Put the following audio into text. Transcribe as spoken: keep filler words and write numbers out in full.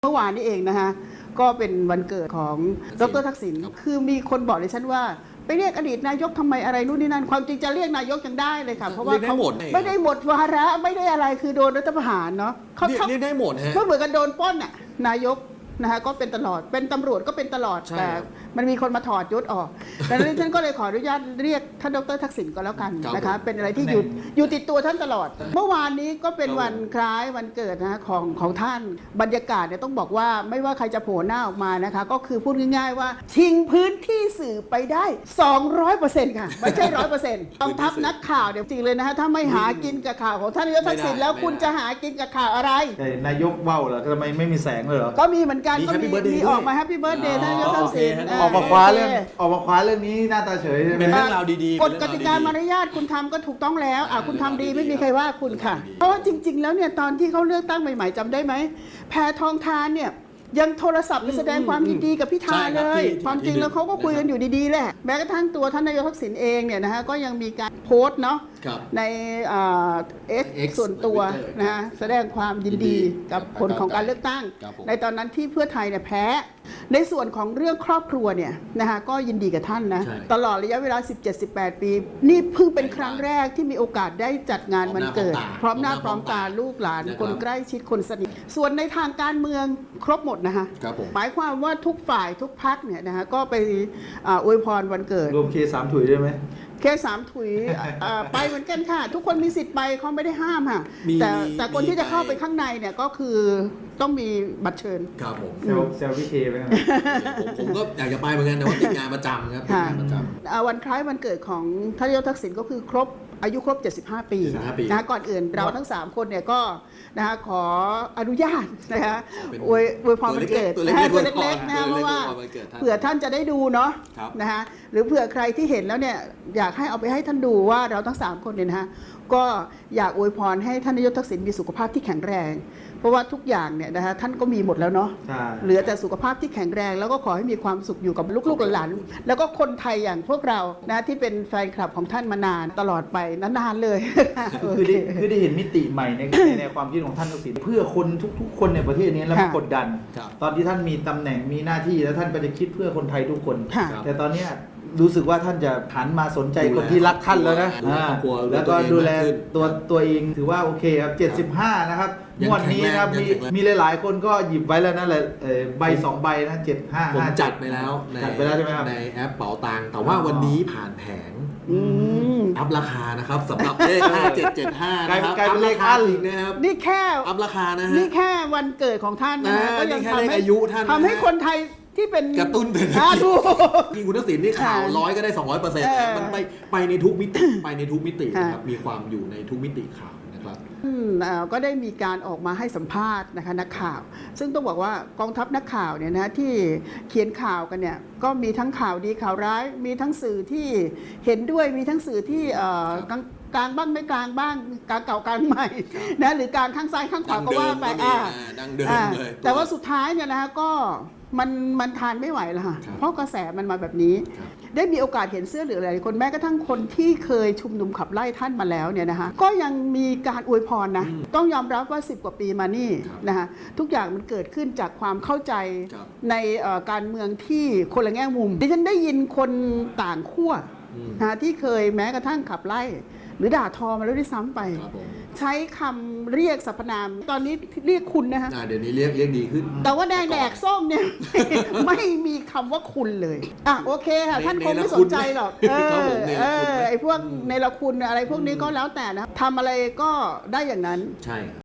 เมื่อวานนี้เองนะคะก็เป็นวันเกิดของดร.ทักษิณคือมีคนบอกเลยฉันว่าไปเรียกอดีตนายกทำไมอะไรนู่นนี่นั่นความจริงจะเรียกนายกยังได้เลยค่ะเพราะว่าเขาไม่ได้หมดวาระไม่ได้อะไรคือโดนรัฐประหารเนาะเขาเรียกได้หมดฮะก็เหมือนกันโดนปล้นน่ะนายกนะคะก็เป็นตลอดเป็นตำรวจก็เป็นตลอดแต่มันมีคนมาถอดยศออกดังนั้นฉันก็เลยขออนุญาตเรียกท่านดร.ทักษิณก็แล้วกันนะคะเป็นอะไรที่อยู่อยู่ติดตัวท่านตลอดเมื่อวานนี้ก็เป็นวันคล้ายวันเกิดนะของของท่านบรรยากาศเนี่ยต้องบอกว่าไม่ว่าใครจะโผล่หน้าออกมานะคะก็คือพูดง่ายๆว่าชิงพื้นที่สื่อไปได้ สองร้อยเปอร์เซ็นต์ ค่ะไม่ใช่ ร้อยเปอร์เซ็นต์ ต้องทับนักข่าวเดี๋ยวจริงเลยนะคะถ้าไม่หากินกับข่าวของท่านนายกทักษิณแล้วคุณจะหากินกับข่าวอะไรนายกเบ้าเหรอทำไมไม่มีแสงเลยเหรอก็มีเหมือนกันก็มีมีออกมาแฮปปี้เบิร์ธเดย์ท่านนายกทักษิณออกมาคว้าเรื่องออกมาคว้าเรื่องนี้หน้าตาเฉยเป็นเรื่องราวดีๆกฎกติกามารยาทคุณทำก็ถูกต้องแล้วอ่ะคุณทำดีไม่มีใครว่าคุณค่ะเพราะว่าจริงๆแล้วเนี่ยตอนที่เขาเลือกตั้งใหม่ๆจำได้ไหมแพทองธารเนี่ยยังโทรศัพท์ไปแสดงความยินดีกับพิธาเลยความจริงแล้วเขาก็คุยกันอยู่ดีๆแหละแม้กระทั่งตัวท่านนายกทักษิณเองเนี่ยนะฮะก็ยังมีการโพสต์เนาะในเอ็กซ์ส่วนตัวนะฮะแสดงความยินดีกับผลของการเลือกตั้งในตอนนั้นที่เพื่อไทยเนี่ยแพ้ในส่วนของเรื่องครอบครัวเนี่ยนะคะก็ยินดีกับท่านนะตลอดระยะเวลา สิบเจ็ดสิบแปด ปีนี่เพิ่งเป็นครั้งแรกที่มีโอกาสได้จัดงานวันเกิดพร้อมหน้าพร้อมตาลูกหลานคนใกล้ชิดคนสนิทส่วนในทางการเมืองครบหมดนะคะหมายความว่าทุกฝ่ายทุกพรรคเนี่ยนะคะก็ไปอวยพรวันเกิดรวมเคสามถุยได้ไหมแค่สามถุยไปเหมือนกันค่ะทุกคนมีสิทธิ์ไปเขาไม่ได้ห้ามค่ะแต่แต่คนที่จะเข้าไปข้างในเนี่ยก็คือต้องมีบัตรเชิญครับผมเซลฟี่เคไปนะผมก็อยากจะไปเหมือนกันแต่ว่าติดงานประจำครับติดงานประจำวันคล้ายวันเกิดของท่านนายกทักษิณก็คือครบอายุครบเจ็ดสิบห้าปีนะก่อนอื่นเราทั้งสามคนเนี่ยก็นะคะขออนุญาตนะคะอวยอวยพรวันเกิดนะตัวเล็กๆนะเพราะว่าเผื่อท่านจะได้ดูเนาะนะคะหรือเผื่อใครที่เห็นแล้วเนี่ยอยากให้เอาไปให้ท่านดูว่าเราทั้งสามคนเนี่ยนะคะก็อยากอวยพรให้ท่านนายกทักษิณมีสุขภาพที่แข็งแรงเพราะว่าทุกอย่างเนี่ยนะคะท่านก็มีหมดแล้วเนาะเหลือแต่สุขภาพที่แข็งแรงแล้วก็ขอให้มีความสุขอยู่กับลูกๆหลานแล้วก็คนไทยอย่างพวกเรานะที่เป็นแฟนคลับของท่านมานานตลอดไปนานๆเลยคือได้คือได้เห็นมิติใหม่ในในความคิดของท่านทักษิณเพื่อคนทุกๆคนในประเทศนี้แล้วกดดันตอนที่ท่านมีตำแหน่งมีหน้าที่แล้วท่านก็จะคิดเพื่อคนไทยทุกคนแต่ตอนนี้รู้สึกว่าท่านจะหันมาสนใจคนที่รักท่านแล้วนะแล้วก็ดูแลตัวตัวเองถือว่าโอเคครับเจ็ดสิบห้านะครับงวดนี้นะครับมีมีหลายๆคนก็หยิบไว้แล้วนะเลยใบสองใบนะเจ็ดห้าผมจัดไปแล้วจัดไปแล้วใช่ไหมครับในแอปเป๋าตังค์แต่ว่าวันนี้ผ่านแผงอัพราคานะครับสำหรับเลขห้าเจ็ดเจ็ดห้านะครับอัพราคาจริงนะครับนี่แค่อัพราคานะฮะนี่แค่วันเกิดของท่านนะก็ยังทำให้อายุท่านทำให้คนไทยที่เป็นกระตุ้นเศรษฐกิจจริงคุณทักษิณนี่ข่าวร้อยก็ได้สองร้อยเปอร์เซ็นต์มันไปไปในทุกมิติไปในทุกมิตินะครับมีความอยู่ในทุกมิติข่าวนะครับก็ได้มีการออกมาให้สัมภาษณ์นะคะนักข่าวซึ่งต้องบอกว่ากองทัพนักข่าวเนี่ยนะที่เขียนข่าวกันเนี่ยก็มีทั้งข่าวดีข่าวร้ายมีทั้งสื่อที่เห็นด้วยมีทั้งสื่อที่กลางกลางบ้างไม่กลางบ้างกลางเก่ากลางใหม่นะหรือกลางข้างซ้ายข้างขวาก็ว่าไปอ่าแต่ว่าสุดท้ายเนี่ยนะคะก็มันมันทานไม่ไหวแล้วค่ะเพราะกระแสมันมาแบบนี้ได้มีโอกาสเห็นเสื้อเหลืองหลายคนแม้กระทั่งคนที่เคยชุมนุมขับไล่ท่านมาแล้วเนี่ยนะคะก็ยังมีการอวยพรนะต้องยอมรับว่าสิบกว่าปีมานี่นะคะทุกอย่างมันเกิดขึ้นจากความเข้าใจในการเมืองที่คนละแง่มุมดิฉันได้ยินคนต่างขั้วนะที่เคยแม้กระทั่งขับไล่หรือด่าทอมาแล้วด้วยซ้ำไปใช้คำเรียกสรรพนามตอนนี้เรียกคุณนะคะเดี๋ยวนี้เรียกเรียกดีขึ้นแต่ว่าแดงแดกส้มเนี่ยไม่มีคำว่าคุณเลยอ่ะโอเคค่ะท่านคงไม่สนใจหรอกเออเออไอ้พวกในละคุณอะไรพวกนี้ก็แล้วแต่นะทำอะไรก็ได้อย่างนั้นใช่